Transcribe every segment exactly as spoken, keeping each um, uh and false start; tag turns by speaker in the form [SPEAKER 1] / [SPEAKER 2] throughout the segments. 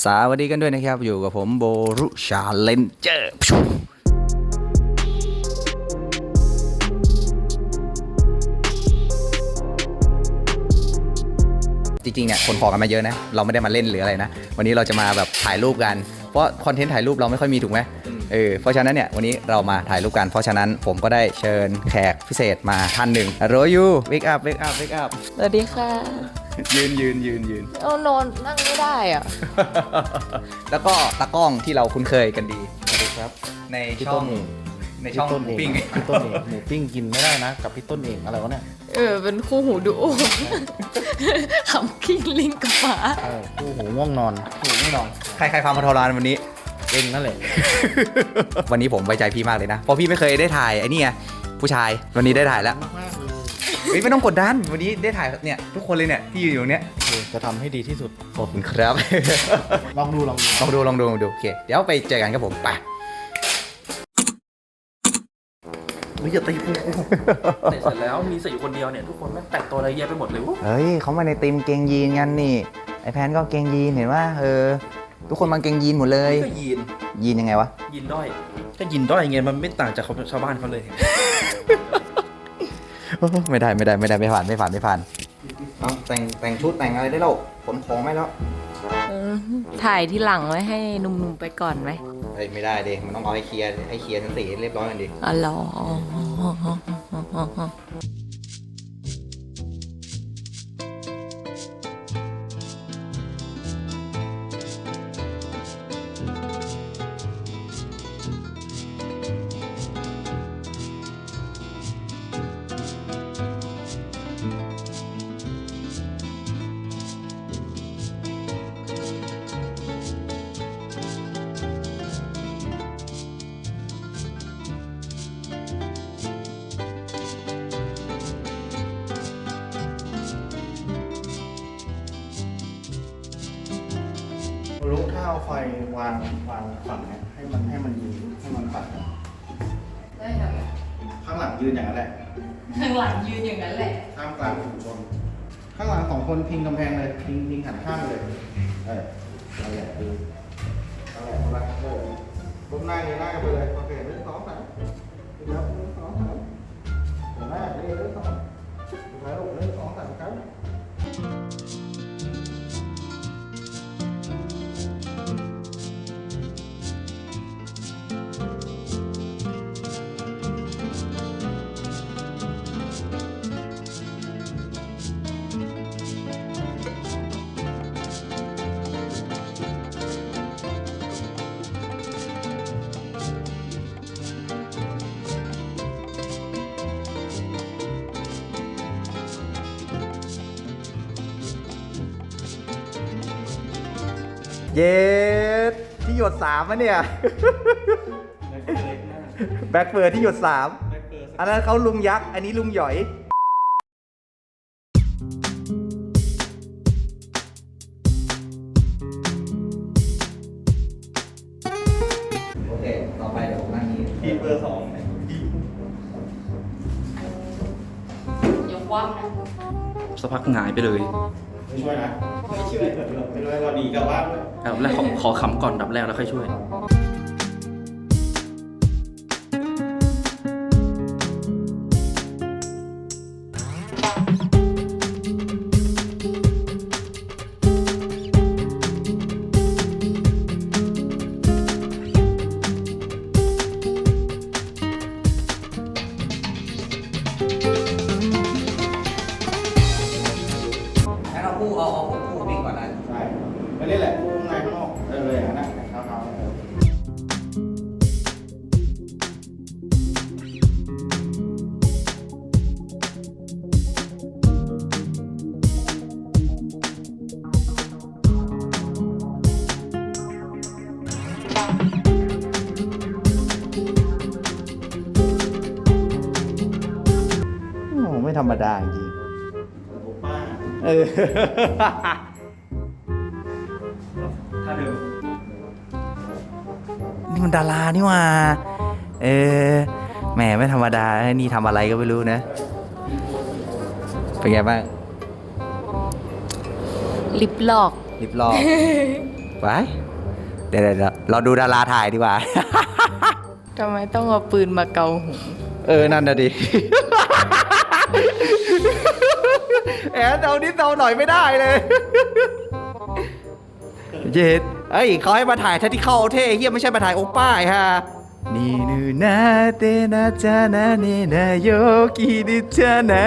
[SPEAKER 1] สวัสดีกันด้วยนะครับอยู่กับผมโบรุชาเลนเจอร์จริงๆเนี่ยคนขอกันมาเยอะนะเราไม่ได้มาเล่นหรืออะไรนะวันนี้เราจะมาแบบถ่ายรูปกันเพราะคอนเทนต์ถ่ายรูปเราไม่ค่อยมีถูกไหมเออเพราะฉะนั้นเนี่ยวันนี้เรามาถ่ายรูปกันเพราะฉะนั้นผมก็ได้เชิญแขกพิเศษมาท่านหนึ่งโรยูเวกอัพเวกอัพเวกอัพ
[SPEAKER 2] สวัสดีค่ะ
[SPEAKER 1] ยืนยืนยืนยืน
[SPEAKER 2] โอ้นอนนั่งไม่ได้อ่ะ
[SPEAKER 1] แล้วก็ตากล้องที่เราคุ้นเคยกันดีสวัสดีครับในช่องในช่องหมูปิ้ง
[SPEAKER 3] พี่ต้นเองหมูปิ้งกินไม่ได้นะกับพี่ต้นเองอะไรวะเนี่ย
[SPEAKER 2] เออ เป็นคู่หูดูโอขำกิ้งลิงกับหมา
[SPEAKER 3] เออคู่หูง่วงนอน
[SPEAKER 1] ถูกแน่นอนใครใครฟังพทรานวันนี้
[SPEAKER 3] เองนั่นแหละ
[SPEAKER 1] วันนี้ผมไว้ใจพี่มากเลยนะเพราะพี่ไม่เคยได้ถ่ายไอ้นี่ไงผู้ชายวันนี้ได้ถ่ายแล้ว
[SPEAKER 3] มากๆเลย
[SPEAKER 1] เฮ้ยไม่ต้องกดดันวันนี้ได้ถ่ายเนี่ยทุกคนเลยเนี่ยที่อยู่อยู่เนี้ย
[SPEAKER 3] เออจะทำให้ดีที่สุด
[SPEAKER 1] ขอบคุณครับ
[SPEAKER 3] ลองดูลองดู
[SPEAKER 1] ลองดูลองดูลองดูโอเคเดี๋ยวไปเจอกันครับผมไป
[SPEAKER 3] เฮ้ยอย่าตีกู
[SPEAKER 4] เสร็จแล้วมีเสร็จอยู่คนเดียวเนี่ยทุกคนแม่งแต่งตัวอะไรเยอะไปหมดเลย
[SPEAKER 1] เฮ้ยเขามาในทีมเกงยีนกันนี่ไอแพนก็เกงยีนเห็นว่าเออทุกคนมาเกงยีนหมดเลย
[SPEAKER 4] ก็ยีน
[SPEAKER 1] ยีนยังไงวะ
[SPEAKER 4] ยีนด้อยก็ยีนด้อยไงมันไม่ต่างจากชาวบ้านเขาเลย
[SPEAKER 1] ไม่ได้ไม่ได้ไม่ได้ไม่ผ่านไม่ผ่านไม่ผ่านเอาแต่งแต่งชุดแต่งอะไรได้แล้วขนของไม่แล้ว
[SPEAKER 2] เออถ่ายที่หลังไว้ให้หนุ่มๆไปก่อนไหม
[SPEAKER 1] เฮ้ยไม่ได้ดิมันต้องเอาให้เคลียร์ให้เคลียร์ทั้งสี่ให้เรียบร้อยกันดิ
[SPEAKER 2] อ๋อเหรอ
[SPEAKER 3] รู้ถ้าเอาไฟวางวางฝั่งเนี้ยให้มันให้มันยืนให้มันปัดข้างหลังยืนอย่างนั้นแหละ
[SPEAKER 2] ข้างหลังยืนอย่างนั้นแหละ
[SPEAKER 3] ท่ามกลางฝูงชนข้างหลังสองคนพิงกำแพงเลยพิงพิงหันข้างเลยเออนั่นแหละดูนั่นแหละคนละเออก้มหน้าเงยหน้ากันไปเลยโอเคหนึ่งสองสามดูครับหนึ่งสองสามเห็นไหมนี่หนึ่งสองสุดท้ายลูกหนึ่งสองสามครับ
[SPEAKER 1] เย้ที่หยดสามอะเนี่ยแบ็คเฟิร์ที่หยดสามอันนั้นเขาลุงยักษ์อันนี้ลุงหยอยโอเคต่อไปเดี๋ยวผมนั่งนี้ทีเบอร์สอง
[SPEAKER 2] อย่าคว่ำนะ
[SPEAKER 4] สักพักหงายไปเลย
[SPEAKER 3] ไม่ช่วยนะไม่ช่วยไม่ช่วยเราหนีกลับบ้านเลย
[SPEAKER 4] อันดับแรกขอขอขำก่อนอันดับแรกแล้วค่อยช่วย
[SPEAKER 1] งั้นเอาคู่เอาเอาคู่วิ่งก่อนนะ
[SPEAKER 3] ใช่ไม่เล่นแหละข้างในข้างนอกเออเลยอย่างนั้นนะเท้าเท้าเออ
[SPEAKER 1] โอ้ไม่ธรรมดาจริง
[SPEAKER 3] ป้า
[SPEAKER 1] เออ
[SPEAKER 4] ถ้าเดิม
[SPEAKER 1] นี่มันดารานี่หว่าเออแหมไม่ธรรมดานี่ทำอะไรก็ไม่รู้นะ เป็นไงบ้าง
[SPEAKER 2] ลิปหลอก
[SPEAKER 1] ลิปลอกไปเดี๋ยวเดี๋ยวเราดูดาราถ่ายดีกว่า
[SPEAKER 2] ทำไมต้องเอาปืนมาเกาหู
[SPEAKER 1] เออ นั่นนะดิ แอนเอานิดเอาหน่อยไม่ได้เลย เย็ดเอ้ยเขาให้มาถ่ายท่าที่เข้าเท่เฮียไม่ใช่มาถ่ายโอป้าไอ้ฮะนี่นูนาเตนาจานาเนนาโยกิดิจานา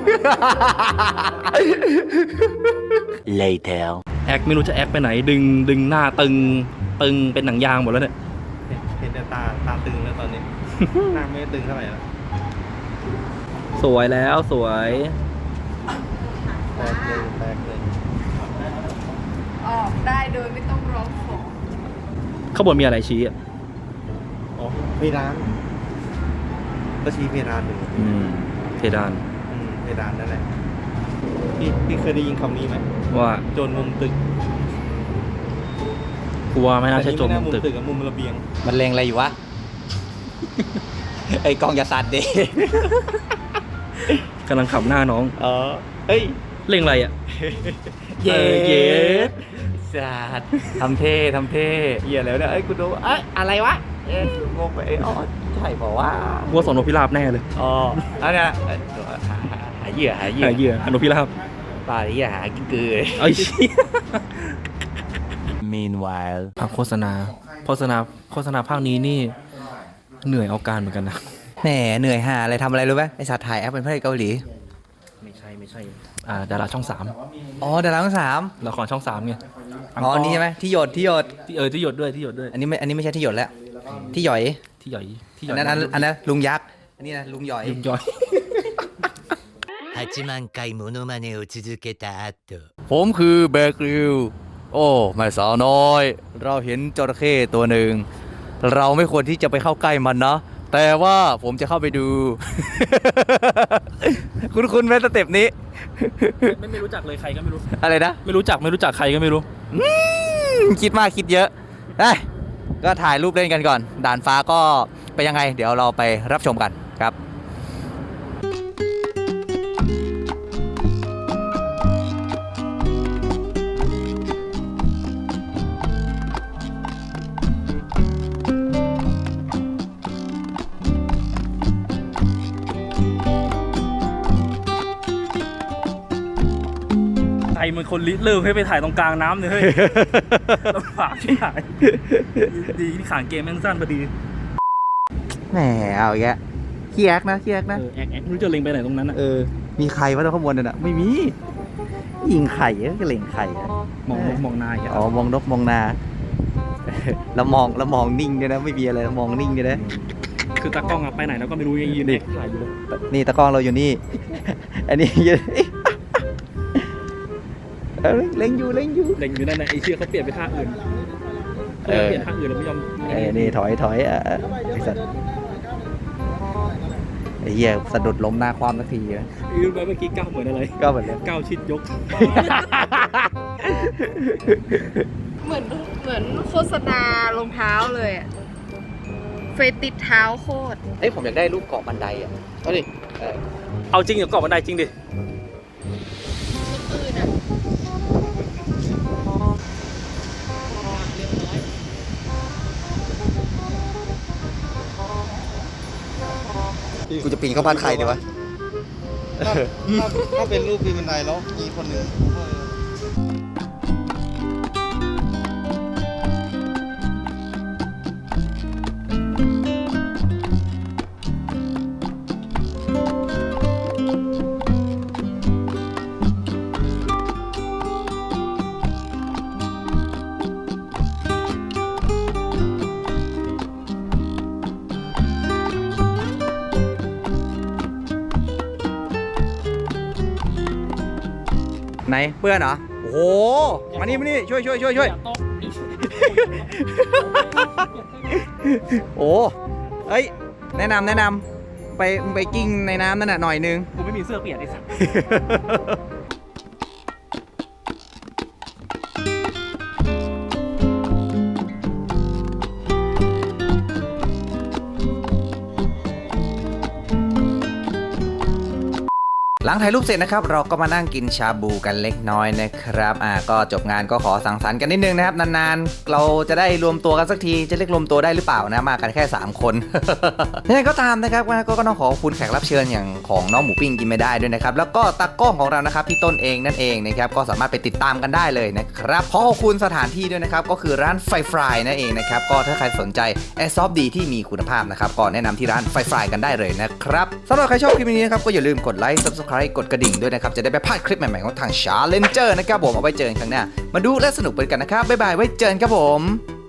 [SPEAKER 5] Later.
[SPEAKER 4] แอคไม่รู้จะแอคไปไหนดึงดึงหน้าตึงตึงเป็นหนังยางหมดแล้วเนี่ย
[SPEAKER 3] เห็นแต่ตาตาตึงแล้วตอนนี้ หน้าไม่ตึงเท่าไหร่แล้ว
[SPEAKER 4] สวยแล้วสวย
[SPEAKER 3] แตกเลยแตกเลย
[SPEAKER 2] ออกได้โดยไม่ต้องร้องขอ
[SPEAKER 4] ข้างบนมีอะไรชี้อ่ะ
[SPEAKER 3] อ๋อเพดานก็ชี้เพดานอยู่
[SPEAKER 4] อืมเพดาน
[SPEAKER 3] อืมเพดานนั่นแหละพี่พี่เคยได้ยินคำนี้ไหม
[SPEAKER 4] ว่า
[SPEAKER 3] โจรมุมตึก
[SPEAKER 4] กลัวไม่น่าใช่โจม
[SPEAKER 3] แต่
[SPEAKER 4] มุ
[SPEAKER 3] นี่
[SPEAKER 4] ม
[SPEAKER 3] ไน่า
[SPEAKER 4] ตึก
[SPEAKER 3] ตึกกับมุมระเบียง
[SPEAKER 1] มันเลงอะไรอยู่วะ ไอ้กองอย่าสั่นดิ
[SPEAKER 4] กำลังขับหน้าน้อง
[SPEAKER 1] เออเฮ้ย
[SPEAKER 4] เร่งอะไรอ่ะ
[SPEAKER 1] เย้
[SPEAKER 4] เออเย้
[SPEAKER 1] สัตว์ทำเท่ทำเท่เหี้ยแล้วเนี่ยเอ้ยกูดูเอ้ยอะไรวะเอ้ยงงไปเอ้ยอ๋อใช่เปล่าวะ
[SPEAKER 4] วัวสอนนกพิราบแน่เลย
[SPEAKER 1] อ๋ออันเนี้ยเอ้ยหาหาเหยื่อหาเหยื่อ
[SPEAKER 4] หาเหยื่ออนกพิราบ
[SPEAKER 1] ปลาเหยื่อหากินกือ
[SPEAKER 4] ไอ้เชี่ย
[SPEAKER 5] Meanwhile.
[SPEAKER 4] ภาคโฆษณาโฆษณาโฆษณาภาคนี้นี่เหนื่อยเอาการเหมือนกันนะ
[SPEAKER 1] แหมเหนื่อยหาอะไรทำอะไรรู้ไหมไอสัตว์ถ่ายแอปเป็นพระเอกเกาหลี
[SPEAKER 4] ไม่ใช่ไม่ใช่อ่าดาราช่องสาม
[SPEAKER 1] อ๋อดาราทั้งสาม
[SPEAKER 4] ละครช่องสามไง
[SPEAKER 1] อ๋ออันนี้ใช่ไหมที่หยดที่หยด
[SPEAKER 4] ที่เออที่หยดด้วยที่หยดด้วย
[SPEAKER 1] อันนี้ไม่อันนี้ไม่ใช่ที่หยดแล้วที่หยอย
[SPEAKER 4] ที่หย่อยที่หย่
[SPEAKER 1] อั
[SPEAKER 4] อน ย
[SPEAKER 1] นั้นอันอันนั้นลุงยักษ์อันนี้นะลุงหยอย
[SPEAKER 4] ยุงย่อย
[SPEAKER 5] はちまん回モノマネを続けた後。
[SPEAKER 1] ผมคือแบกริวโอ้แม่สาวน้อย เราเห็นจระเข้ตัวหนึ่งเราไม่ควรที่จะไปเข้าใกล้มันนะ แต่ว่าผมจะเข้าไปดู คุณคุณแม่สเต็ปนี้
[SPEAKER 4] ไม่ไม่รู้จักเลยใครก็ไม่รู้
[SPEAKER 1] อะไรนะ
[SPEAKER 4] ไม่รู้จักไม่รู้จักใครก็ไม่รู้
[SPEAKER 1] อืมคิดมากคิดเยอะได้ก็ถ่ายรูปเล่นกันก่อน ด่านฟ้าก็ไปยังไง เดี๋ยวเราไปรับชมกันครับ
[SPEAKER 4] ใครมันคนริเริ่มให้ไปถ่ายตรงกลางน้ำเลยเฮ้ย ลำบากที่ถ่ายดีที่ขางเกมแม่งสั้นพอดี
[SPEAKER 1] แหมเอาอีกแล้วขี้แอกนะขี้แอกนะ
[SPEAKER 4] เออแอกแอกไม่รู้จะเล็งไปไหนตรงนั้นอ่ะ
[SPEAKER 1] เออ มีใครวะตรงข้างบนน่ะ ไม่มี ยิงไข่ก็เล็งไข่อะ
[SPEAKER 4] มองนกมองนายอ่ะ
[SPEAKER 1] อ๋อ มองนกมองนา แล้วมองแล้วมองนิ่งด้วยนะ ไม่มีอะไรแล้วมองนิ่งด้วยนะ
[SPEAKER 4] คือตากล้องอะไปไหนแล้วก็ไม่รู้ยังยืนเด็กถ่ายอยู่เลย
[SPEAKER 1] นี่ตะกล้องเราอยู่นี่ อันนี้ยืนเออเล็งอยู่เล็งอยู่
[SPEAKER 4] เล็งอยู่นั่นแหละไอ้เชี่ยเขาเปลี่ยนไปท่าอื่น
[SPEAKER 1] เออ
[SPEAKER 4] เปลี่ยนท่าอื่นแล้วไม่ยอม
[SPEAKER 1] เออนี่ถอยถอยอ่ะไอ้สัตว์ไอ้เหี้ยสะดุดล้มหน้าความสักทีนะ
[SPEAKER 4] รู้ไหมเมื่อกี้ก้าวเหมือนอะไร
[SPEAKER 1] ก็เหมือนเดิม
[SPEAKER 4] ก้าวชิดยก
[SPEAKER 2] เหมือนเหมือนโฆษณารองเท้าเลยอะเฟยติดเท้าโคตร
[SPEAKER 1] เอ้ยผมอยากได้รูปเกาะบันไดอ่ะเอาดิเออ
[SPEAKER 4] เอาจริงเดี๋ยวเกาะบันไดจริงดิ
[SPEAKER 2] อื่นอะ
[SPEAKER 1] กูจะปีนเข้าบ้านใครดีวะ
[SPEAKER 3] ถ้าถ้าถ้าเป็นรูปปีนบันไดแล้วมีคนหนึ่ง
[SPEAKER 1] ไหนเพื่อนเหรอ โอ้โห มานี่มานี่ช่วยช่วยช่วยช่วยโอ้เอ้ย แนะนำแนะนำไปไปกิ้งในน้ำนั่นน่ะหน่อยนึง
[SPEAKER 4] กูไม่มีเสื้อเปียกไอ้สัส
[SPEAKER 1] หลังถ่ายรูปเสร็จนะครับเราก็มานั่งกินชาบูกันเล็กน้อยนะครับอ่าก็จบงานก็ขอสังสรรค์กันนิดนึงนะครับนานๆเราจะได้รวมตัวกันสักทีจะเรียกรวมตัวได้หรือเปล่านะมากันแค่สามคน ยังไงก็ตามนะครับก็ก็ต้องขอขอบคุณแขกรับเชิญอย่างของน้องหมูปิ้งกินไม่ได้ด้วยนะครับแล้วก็ตากล้องของเรานะครับพี่ต้นเองนั่นเองนะครับก็สามารถไปติดตามกันได้เลยนะครับขอขอบคุณสถานที่ด้วยนะครับก็คือร้านไฟฟรายนั่นเองนะครับก็ถ้าใครสนใจแอร์ซอฟต์ดีที่มีคุณภาพนะครับก็แนะนำที่ร้านไฟฟรายกันได้เลยนะครับสำหรับใครชอบคลิปนี้นะครับก็อย่าลืมกดไลค์ Subscribe กดกระดิ่งด้วยนะครับจะได้ไม่พลาดคลิปใหม่ๆของทาง Challenger นะครับผมเอาไว้เจอกันครั้งหน้ามาดูและสนุกไปกันนะครับบ๊ายบายไว้เจอกันครับผม